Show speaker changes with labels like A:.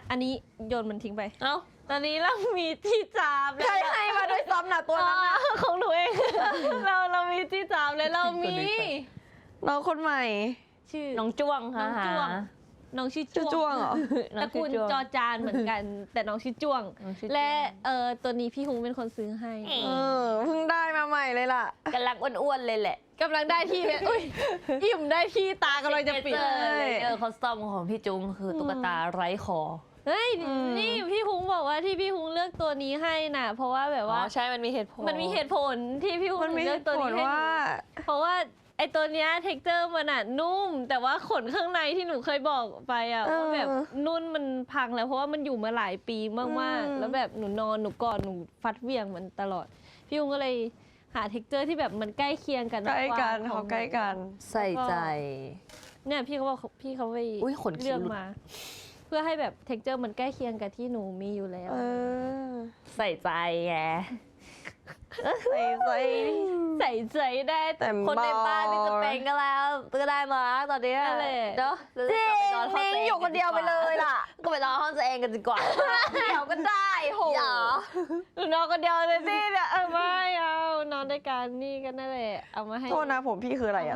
A: อันนี้โยนมันทิ้งไป
B: เอ้า
A: ตอนนี้เรามีที่จับ
C: ใครให้มาด้วยซ้ำน่ะตัวนั้นน่ะ
A: ของหนูเอง เรามีที่จับเลยเรามี
C: น้องคนใหม่
A: ชื่อ
B: น้องจ้วงค่ะ
A: น้องจ้วง น้องชื่อ
C: ชื่อจ้วงเหรอ
B: น้
A: ต
B: อ
A: ระ
B: งชื่
A: กู
B: อ
A: ล
B: จ้วง
A: จอจานเหมือนกัน แต่น้องชื่อจ้วง
B: น้องชื่อจ้วง
A: และตัวนี้พี่ฮุงเป็นคนซื้อให้
C: เพิ่งได้มาใหม่เลยล่ะ
B: กำลังอ้วนๆเลยแหละ
A: กำลังได้ที่ อุ้ยอิ่มได้ที่ตากำลังจะปิด
B: คอสตอมของพี่จุงคือตุ๊กตาไร้คอ
A: เฮ้ยนี่พี่ฮุงบอกว่าที่พี่ฮุงเลือกตัวนี้ให้น่ะ เพราะว่าแบบ
B: อ๋อ
A: ว่า
B: ใช่มันมีเหตุผล
A: มันมีเหตุผลที่พี่ฮุง
C: มันมี
A: เลือกตัวนี้ให้หนู
C: ว่า
A: เพราะว่าไอตัวเนี้ยเท็กเจอร์มันอะนุ่ม แต่ว่าขนข้างในที่หนูเคยบอกไปอะว่าแบบนุ่นมันพังแล้วเพราะว่ามันอยู่มาหลายปีมากๆ แล้วแบบหนูนอนหนูกอดหนูฟัดเหวี่ยงมันตลอด พี่ฮุงก็เลยหาเท็กเจอร์ที่แบบมันใกล้เคียงกัน
C: ใกล้กัน
A: ข
C: เขา
A: อง
C: ใกล้กัน
B: ใส่ใจ
A: เนี่ยพี่เขาบอกพี่เขาไป
B: อุ๊ยขนคิ้ว
A: เลือกมา เพื่อให้แบบเท็กเจอร์มันใกล้เคียงกับที่หนูมีอยู่แล้ว
B: ใส่ใจไง
C: ใส่ใจ
A: ใส่ใจได้
C: แต่
B: คนในบ้านนี่จะเป็นก็แล้วก็ได้มาตอนนี้
A: นั่นแหละ
B: เนาะ
C: จริงนิ่งอยู่คนเดียวไปเลยล่ะ
B: ก็ไปนอนห้องตัวเองกันดีกว่า
C: เดี๋ยวก็ได้โห
B: อย่า
A: หนูนอนคนเดียวเลยสิเนี่ยไม่เอานอนด้วยกันนี่ก็นั่นแหละเอามาให้
C: โทษนะผมพี่คืออะไรอะ